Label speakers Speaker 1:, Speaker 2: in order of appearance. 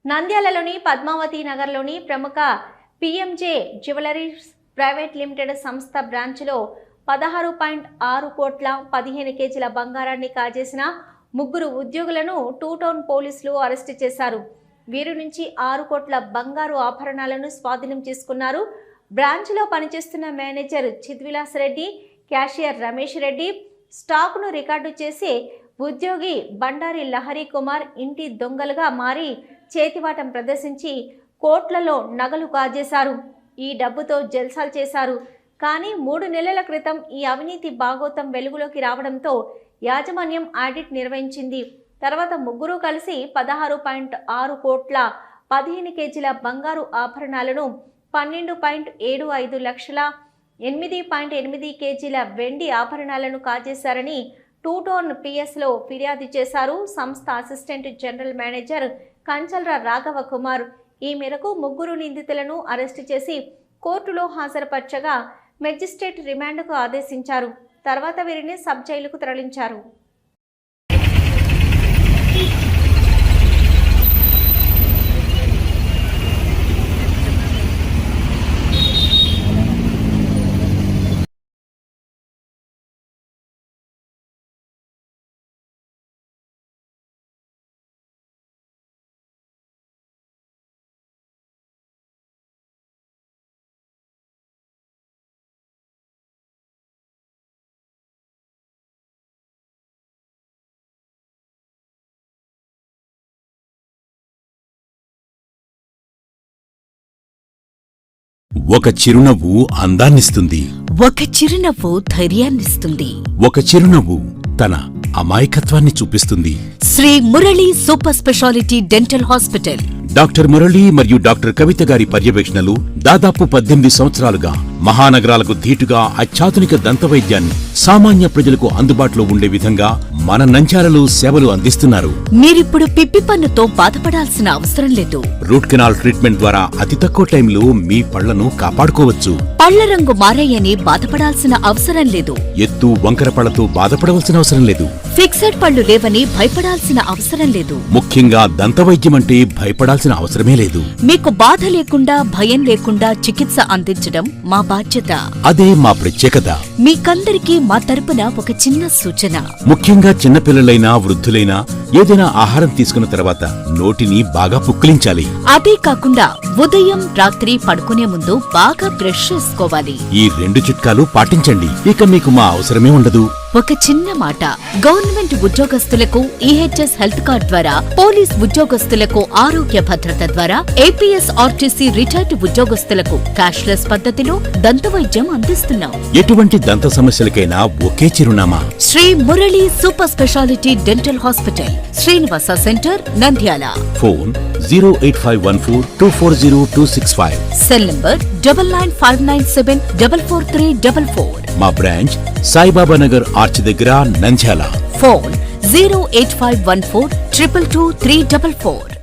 Speaker 1: నంద్యాలలోని పద్మావతి నగర్లోని ప్రముఖ PMJ jewelleries private limited సంస్థ బ్రాంచ్లో 16.6 కోట్ల 15 కేజీల బంగారాన్ని కాజేసిన ముగ్గురు ఉద్యోగులను టూ టౌన్ పోలీసులు అరెస్టు చేశారు. వీరి నుంచి 6 కోట్ల బంగారు ఆభరణాలను స్వాధీనం చేసుకున్నారు. బ్రాంచ్లో పనిచేస్తున్న మేనేజర్ చిద్విలాస్ రెడ్డి, క్యాషియర్ రమేష్ రెడ్డి, స్టాక్ను రికార్డు చేసి ఉద్యోగి బండారి లహరి కుమార్ ఇంటి దొంగలుగా మారి చేతివాటం ప్రదర్శించి కోట్లలో నగలు కాజేశారు. ఈ డబ్బుతో జల్సాలు చేశారు. కానీ 3 నెలల క్రితం ఈ అవినీతి భాగోతం వెలుగులోకి రావడంతో యాజమాన్యం ఆడిట్ నిర్వహించింది. తర్వాత ముగ్గురు కలిసి 16.6 కోట్ల 15 కేజీల బంగారు ఆభరణాలను, 12.75 లక్షల 8.8 కేజీల వెండి ఆభరణాలను కాజేశారని టూ టౌన్ పిఎస్లో ఫిర్యాదు చేశారు సంస్థ assistant general manager Kancharla Raghava Kumar. ఈ మేరకు ముగ్గురు నిందితులను అరెస్టు చేసి కోర్టులో హాజరుపరచగా మెజిస్ట్రేట్ రిమాండ్కు ఆదేశించారు. తర్వాత వీరిని సబ్ జైలుకు తరలించారు.
Speaker 2: ఒక చిరునవ్వు అందాన్నిస్తుంది.
Speaker 3: ఒక చిరునవ్వు ధైర్యాన్నిస్తుంది.
Speaker 2: ఒక చిరునవ్వు తన అమాయకత్వాన్ని చూపిస్తుంది.
Speaker 3: Shri Murali super speciality dental hospital.
Speaker 2: Doctor Murali మరియు డాక్టర్ కవిత గారి పర్యవేక్షణలు దాదాపు 18 సంవత్సరాలుగా మహానగరాలకు ధీటుగా అత్యాధునిక దంతవైద్యాన్ని సామాన్య ప్రజలకు అందుబాటులో ఉండే విధంగా మన నంద్యాలలో సేవలు అందిస్తున్నారు.
Speaker 3: మీరిప్పుడు పిప్పి పన్నుతో బాధపడాల్సిన అవసరం లేదు.
Speaker 2: రూట్ కెనాల్ ట్రీట్మెంట్ ద్వారా అతి తక్కువ టైంలో మీ పళ్లను కాపాడుకోవచ్చు.
Speaker 3: పళ్ల రంగు మారాయని బాధపడాల్సిన అవసరం లేదు.
Speaker 2: ఎత్తు వంకర పళ్లతో బాధపడవలసిన అవసరం లేదు.
Speaker 3: ఫిక్సెడ్ పళ్లు లేవని భయపడాల్సిన అవసరం లేదు.
Speaker 2: ముఖ్యంగా దంతవైద్యం అంటే భయపడాల్సిన అవసరమే లేదు.
Speaker 3: మీకు బాధ లేకుండా, భయం లేకుండా చికిత్స అందించడం మా బాధ్యత.
Speaker 2: అదే మా ప్రత్యేకత.
Speaker 3: మీకందరికీ మా తరపున ఒక చిన్న సూచన.
Speaker 2: ముఖ్యంగా చిన్నపిల్లలైనా వృద్ధులైనా ఏదైనా ఆహారం తీసుకున్న తర్వాత నోటిని బాగా పుక్కిలించాలి.
Speaker 3: అదే కాకుండా ఉదయం, రాత్రి పడుకునే ముందు బాగా బ్రష్ చేసుకోవాలి.
Speaker 2: ఈ 2 చిట్కాలు పాటించండి. ఇక మీకు మా అవసరమే ఉండదు.
Speaker 3: ఒక చిన్న మాట, గవర్నమెంట్ ఉద్యోగస్తులకు ఈహెచ్ఎస్ హెల్త్ కార్డ్ ద్వారా, పోలీస్ ఉద్యోగస్తులకు ఆరోగ్య భద్రత ద్వారా, ఏపీఎస్ ఆర్టీసీ రిటైర్డ్ ఉద్యోగస్తులకు క్యాష్లెస్ పద్ధతిలో దంతవైద్యం అందిస్తున్నాం.
Speaker 2: ఎటువంటి దంత సమస్యలకైనా ఒకే చిరునామా,
Speaker 3: Shri Murali super speciality dental hospital, Srinivasa centre, Nandyal.
Speaker 2: Phone 08514240265.
Speaker 3: Cell number 9959744344.
Speaker 2: మా బ్రాంచ్ సాయిబాబా నగర్ ఆర్చ్ దగ్గర, నంద్యాల.
Speaker 3: ఫోన్ 08514222344.